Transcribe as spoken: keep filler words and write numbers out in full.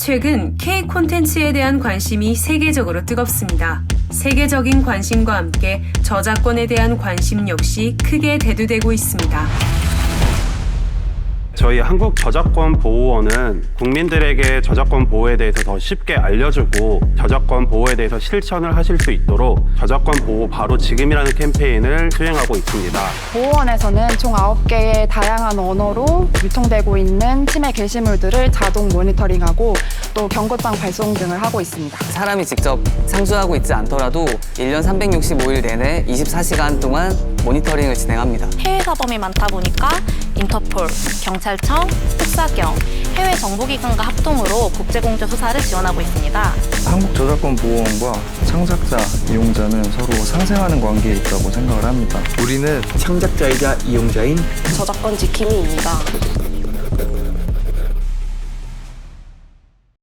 최근 K 콘텐츠에 대한 관심이 세계적으로 뜨겁습니다. 세계적인 관심과 함께 저작권에 대한 관심 역시 크게 대두되고 있습니다. 저희 한국저작권보호원은 국민들에게 저작권 보호에 대해서 더 쉽게 알려주고 저작권 보호에 대해서 실천을 하실 수 있도록 저작권 보호 바로 지금이라는 캠페인을 수행하고 있습니다. 보호원에서는 총 아홉 개의 다양한 언어로 유통되고 있는 침해 게시물들을 자동 모니터링하고 또 경고장 발송 등을 하고 있습니다. 사람이 직접 상주하고 있지 않더라도 일 년 삼백육십오 일 내내 이십사 시간 동안 모니터링을 진행합니다. 해외 사범이 많다 보니까 인터폴, 경찰청, 특사경, 해외 정보기관과 합동으로 국제공조 수사를 지원하고 있습니다. 한국저작권보호원과 창작자, 이용자는 서로 상생하는 관계에 있다고 생각을 합니다. 우리는 창작자이자 이용자인 저작권 지킴이입니다.